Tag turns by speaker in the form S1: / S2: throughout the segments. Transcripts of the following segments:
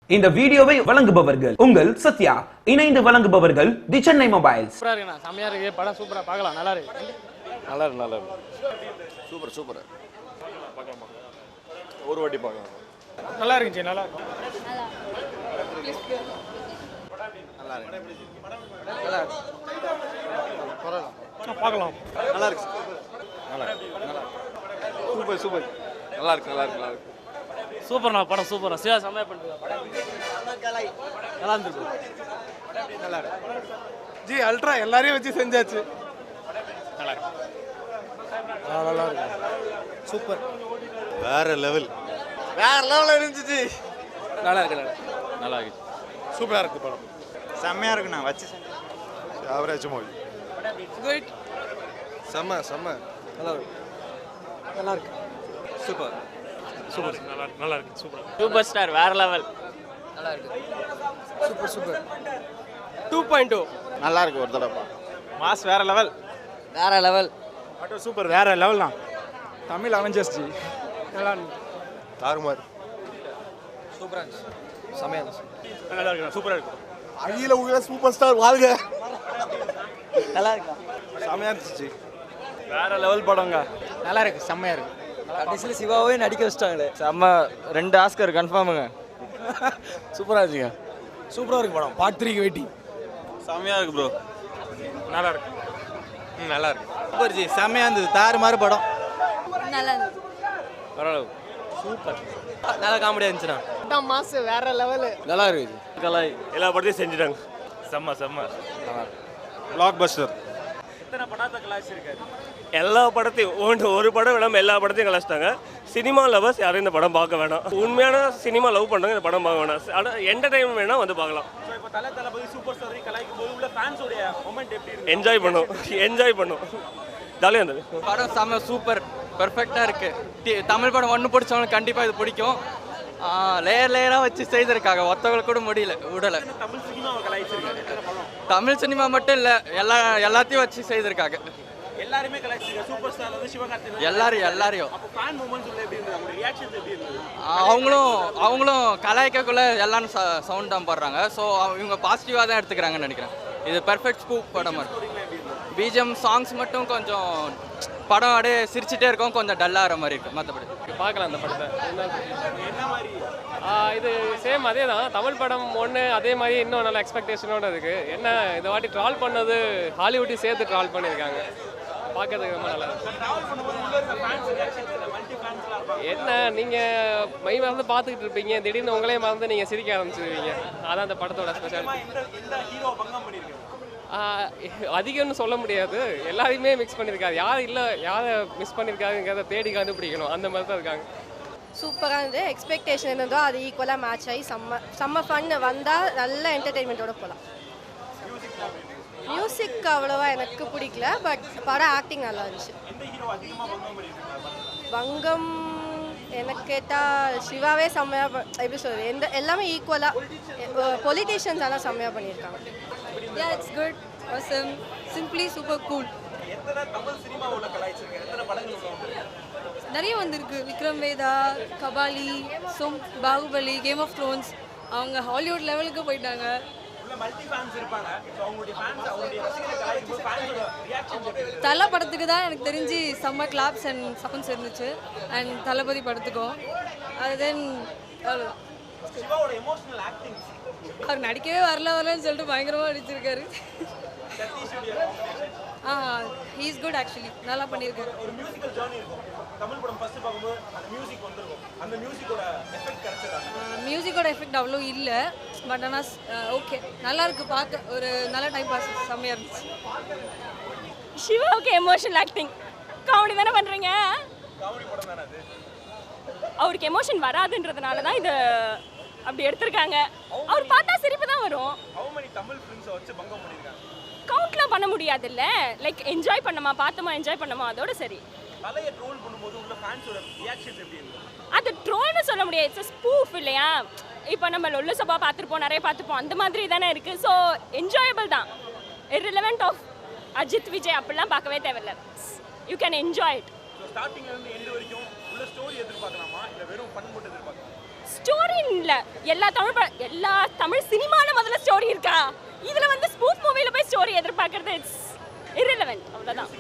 S1: இந்த வீடியோவை வழங்குபவர்கள் உங்கள் சத்யா, இணைந்து வழங்குபவர்கள் தி சென்னை மொபைல்ஸ்.
S2: சூப்பரா இருக்குண்ணா, செமையா இருக்கு படம், சூப்பரா பார்க்கலாம், நல்லா இருக்கு.
S3: சூப்பர் பார்க்கலாமா? ஒரு வாட்டி பார்க்கலாம்.
S2: நல்லா இருந்துச்சு, நல்லா இருக்கு. பார்க்கலாம்,
S3: நல்லா இருக்கு. சூப்பர் நல்லா இருக்கு.
S2: சூப்பர்ண்ணா படம், சூப்பரா சிவா செமையா பண்ணிட்டு நல்லா இருந்துருக்கு.
S3: நல்லா இருக்கு ஜி. அல்ட்ரா எல்லாரையும் வச்சு செஞ்சாச்சு.
S2: நல்லா இருக்கு.
S3: சூப்பர், வேற லெவல் இருந்துச்சு.
S2: நல்லா இருக்கு.
S3: சூப்பரா இருக்கு படம், செம்மையா இருக்குண்ணா. வச்சு ஆவரேஜ் மூவி.
S2: குட்,
S3: செம்ம
S2: நல்லா இருக்கு.
S3: சூப்பர்
S2: நல்லா இருக்கு. சூப்பர் ஸ்டார், வேற லெவல். நல்லா இருக்கு. சூப்பர் 2.2
S3: நல்லா இருக்கு. ஒரு தடவை
S2: மாஸ், வேற லெவல்.
S3: ஆட்டோ சூப்பர், வேற லெவல் தான். தமிழ் அவெஞ்சர்ஸ் ஜி. நல்லா இருக்கு. தாறுமாறு.
S2: சூப்பரா இருந்துச்சு, செமையா இருந்துச்சு.
S3: நல்லா இருக்கு, சூப்பரா இருக்கு. அகில உலக சூப்பர் ஸ்டார் வாழ்க.
S2: நல்லா இருக்கா?
S3: செமையா இருந்துச்சு. வேற லெவல் படங்க.
S2: நல்லா இருக்கு, செமையா இருக்கு.
S4: கடைசியில் சிவாவே நடிக்க வச்சிட்டாங்களே,
S2: செம்ம. 2 ஆஸ்கர் கன்ஃபார்முங்க.
S4: சூப்பராக இருக்குங்க. சூப்பராக இருக்கு படம். பார்ட் 3க்கு வெயிட்டிங்.
S3: செமையா இருக்கு ப்ரோ. நல்லா இருக்கு.
S4: சூப்பர் ஜி, செம்மையாக இருந்தது. தாறுமாறு படம்.
S5: நல்லா இருந்துச்சு.
S2: பரவாயில்ல,
S4: சூப்பர், நல்லா காமெடியாக இருந்துச்சுண்ணா.
S2: மாஸ், வேற லெவல்.
S4: நல்லா இருக்கு.
S2: கலாய்
S3: எல்லா படத்தையும் செஞ்சுட்டாங்க. செம்ம. Blockbuster.
S6: எல்லா படத்தையும் ஒரு படம் வேணாமல் எல்லா படத்தையும் கலாச்சிட்டாங்க. சினிமா லவர்ஸ் யாரும் இந்த படம் பார்க்க வேணாம். உண்மையான சினிமா லவ் பண்ணுறவங்க இந்த படம் பார்க்க வேணாம். ஆனால் என்டர்டைன்மெண்ட் வேணால் வந்து பார்க்கலாம். என்ஜாய் பண்ணும். ஜாலியாக இருந்தது
S4: படம். செம்ம சூப்பர், பெர்ஃபெக்டாக இருக்கு. தமிழ் படம் ஒன்று பிடிச்சவங்களுக்கு கண்டிப்பாக இது பிடிக்கும். லேயராக வச்சு செய்திருக்காங்க, ஒத்தவங்களுக்கு கூட விடலை. தமிழ் சினிமா மட்டும் இல்லை, எல்லாத்தையும் வச்சு செய்திருக்காங்க. எல்லாரையும் அவங்களும் கலாய்க்கக்குள்ள எல்லாரும் சவுண்ட் தான் போடுறாங்க. ஸோ இவங்க பாசிட்டிவாக தான் எடுத்துக்கிறாங்கன்னு நினைக்கிறேன். இது பெர்ஃபெக்ட் ஸ்கூப் படம். பிஜிஎம் சாங்ஸ் மட்டும் கொஞ்சம் படம் அப்படியே சிரிச்சுட்டே இருக்கும், கொஞ்சம் டல்லாகிற மாதிரி இருக்கும். மற்றபடி
S2: பார்க்கலாம் அந்த படத்தை. இது சேம் அதே தான். தமிழ் படம் ஒன்று, அதே மாதிரி இன்னும் நல்ல எக்ஸ்பெக்டேஷனோட இருக்குது. என்ன இந்த வாட்டி ட்ரால் பண்ணது ஹாலிவுட்டையும் சேர்த்து ட்ரால் பண்ணியிருக்காங்க. பார்க்கறதுக்கு ரொம்ப நல்லா இருக்கு. என்ன நீங்கள் மை மறந்து பார்த்துக்கிட்டு இருப்பீங்க, திடீர்னு உங்களே மறந்து நீங்கள் சிரிக்க ஆரம்பிச்சிருவீங்க. அதான் அந்த படத்தோட ஸ்பெஷாலிட்டி. அதிகம்னு சொல்ல முடியாது, எல்லாரையுமே மிக்ஸ் பண்ணியிருக்காரு. யாரை மிஸ் பண்ணியிருக்காருங்கிறத தேடி கண்டுபிடிக்கணும். அந்த மாதிரி தான் இருக்காங்க.
S5: சூப்பராக இருந்தது. எக்ஸ்பெக்டேஷன் இருந்ததோ அது ஈக்குவலாக மேட்ச் ஆகி செம்ம ஃபன். வந்தால் நல்ல என்டர்டெயின்மெண்ட்டோட போகலாம். மியூசிக் அவ்வளோவா எனக்கு பிடிக்கல, பட் படம் ஆக்டிங் நல்லா இருந்துச்சு. வங்கம் எனக்கு கேட்டால் சிவாவே செம்மையாக, எப்படி சொல்கிறது, எல்லாமே ஈக்குவலாக. பொலிட்டீஷியன்ஸ் எல்லாம் செம்மையாக பண்ணியிருக்காங்க.
S7: Yeah, it's good. Awesome. Simply super cool. நிறைய வந்திருக்கு. Vikram Vedha, Kabali, Baahubali, game of thrones. அவங்க ஹாலிவுட் லெவலுக்கு போயிட்டாங்க. தலை படத்துக்கு தான் எனக்கு தெரிஞ்சு செம்ம கிளாப்ஸ் அண்ட் சவுண்ட்ஸ் இருந்துச்சு. அண்ட் தளபதி படத்துக்கும் அது தென் அவர் நடிக்கவே வரலன்னு சொல்லிட்டு பயங்கரமாக நடிச்சிருக்காரு. ஹீ இஸ் குட் ஆக்சுவலி, நல்லா பண்ணியிருக்காரு. மியூசிக்கோட எஃபெக்ட் அவ்வளோ இல்லை, பட் ஆனால் ஓகே, நல்லா இருக்கு பார்க்க. ஒரு நல்ல டைம் பாஸ், செம்மையாக இருந்துச்சு.
S8: சிவாவுக்கு எமோஷனல் ஆக்டிங், காமெடி தானே பண்ணுறீங்க. அவருக்கு எமோஷன் வராதுன்றதுனால தான் இது அப்படி எடுத்திருக்காங்க. அவர் பார்த்தா சிரிப்பு தான் வரும். கவுண்ட்லாம் பண்ண முடியாதுல்ல. லைக் என்ஜாய் பண்ணமா, பார்த்தோமா, அதோட சரி. அது ட்ரோல்னு சொல்ல முடியாது, இட்ஸ் ஸ்பூஃப் இல்லையா. இப்போ நம்ம லொல்லு சபா பார்த்துருப்போம், நிறைய பார்த்துப்போம், அந்த மாதிரி தானே இருக்குது. ஸோ என்ஜாயபிள் தான். இர்ரிலவெண்ட் ஆஃப் அஜித் விஜய் அப்படிலாம் பார்க்கவே தேவையில்லை. You can enjoy it. Story இல்லை. எல்லா தமிழ் சினிமாவில் முதல்ல ஸ்டோரி இருக்கா? இதில் வந்து ஸ்பூஃப் மூவியில் போய் ஸ்டோரி எதிர்பார்க்கறது இட்ஸ் irrelevant. அவ்வளோதான்.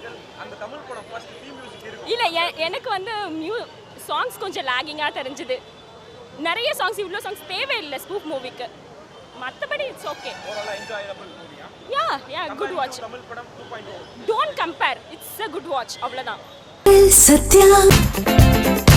S8: இல்லை எனக்கு வந்து சாங்ஸ் கொஞ்சம் லேகிங்காக தெரிஞ்சுது. நிறைய சாங்ஸ், இவ்வளோ சாங்ஸ் தேவையில்லை ஸ்பூஃப் மூவிக்கு. மற்றபடி it's okay. Ya good watch. Don't compare, it's a good watch. அவ்வளோதான்.
S9: சத்யா